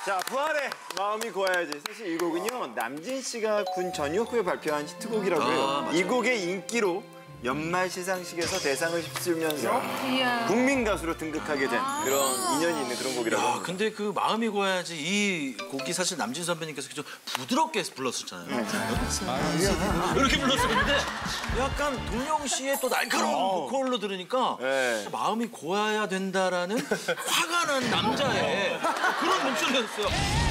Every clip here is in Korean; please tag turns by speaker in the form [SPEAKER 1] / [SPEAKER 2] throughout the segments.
[SPEAKER 1] 자, 부활의 마음이 고와야지. 사실 이 곡은요, 남진 씨가 군 전역 후에 발표한 히트곡이라고 해요. 이 곡의 인기로 연말 시상식에서 대상을 휩쓸면서 국민 가수로 등극하게 된 그런 인연이 있는 그런 곡이라고 합니다.
[SPEAKER 2] 근데 그 마음이 고와야지 이 곡이 사실 남진 선배님께서 좀 부드럽게 불렀었잖아요. 이렇게 불렀었는데 약간 동영 씨의 또 날카로운 보컬로 들으니까 마음이 고와야 된다라는 화가 난 남자의 그런 목소리였어요.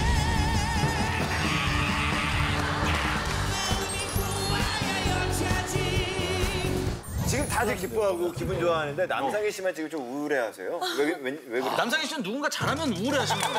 [SPEAKER 1] 지금 다들 기뻐하고 기분 좋아하는데 남상희 씨만 지금 좀 우울해하세요. 왜 그래?
[SPEAKER 2] 남상희 씨는 누군가 잘하면 우울해하시는 거예요.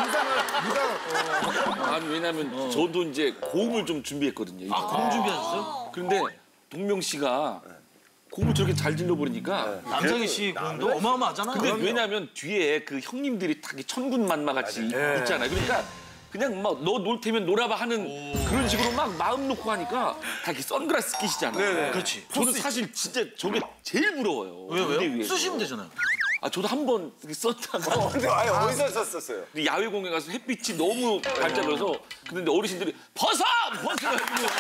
[SPEAKER 3] 아니 왜냐면 저도 이제 고음을 좀 준비했거든요.
[SPEAKER 2] 아, 고음 준비하셨어요?
[SPEAKER 3] 그런데 동명 씨가 고음을 저렇게 잘 질러버리니까
[SPEAKER 2] 남상희 씨 고음도 어마어마하잖아요.
[SPEAKER 3] 근데 왜냐면 뒤에 그 형님들이 다 천군만마 같이 있잖아요. 그러니까 그냥 막 너 놀 테면 놀아봐 하는 그런 식으로 막 마음 놓고 하니까 다 이렇게 선글라스 끼시잖아요.
[SPEAKER 2] 그렇지.
[SPEAKER 3] 저는 사실 진짜 저게 제일 부러워요.
[SPEAKER 2] 왜요? 쓰시면 되잖아요.
[SPEAKER 3] 아 저도 한 번 썼다가
[SPEAKER 1] 근데 아예 어디서 썼었어요?
[SPEAKER 3] 야외 공연 가서 햇빛이 너무 반짝여서 근데 어르신들이 벗어! 벗어!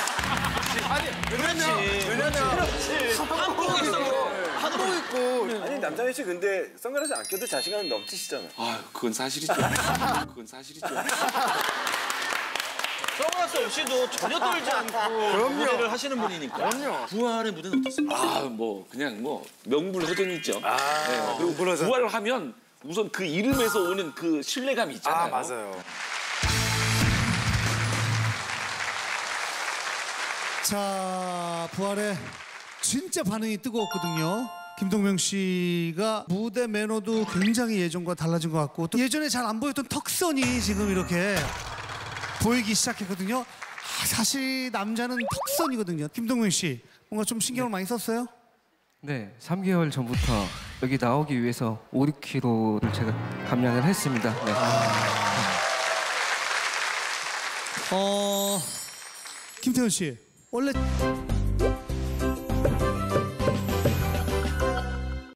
[SPEAKER 1] 한복 입고. 아니 남상희 씨 근데 선글라스 안 껴도 자신감 넘치시잖아요.
[SPEAKER 3] 아 그건 사실이죠. 그건 사실이죠.
[SPEAKER 2] 선글라스 없이도 전혀 떨지 않고 무대를 하시는 분이니까. 그럼요. 부활의 무대는 어땠습니까?
[SPEAKER 3] 아 뭐 그냥 뭐 명불허전이죠. 네, 그리고 부활을 하면 우선 그 이름에서 오는 그 신뢰감이 있잖아요.
[SPEAKER 1] 아 맞아요.
[SPEAKER 4] 자, 부활의 진짜 반응이 뜨거웠거든요. 김동명 씨가 무대 매너도 굉장히 예전과 달라진 것 같고 또 예전에 잘 안 보였던 턱선이 지금 이렇게 보이기 시작했거든요. 사실 남자는 턱선이거든요. 김동명 씨, 뭔가 좀 신경을 많이 썼어요?
[SPEAKER 5] 네, 3개월 전부터 여기 나오기 위해서 5, 6kg를 제가 감량을 했습니다. 네.
[SPEAKER 4] 김태현 씨, 원래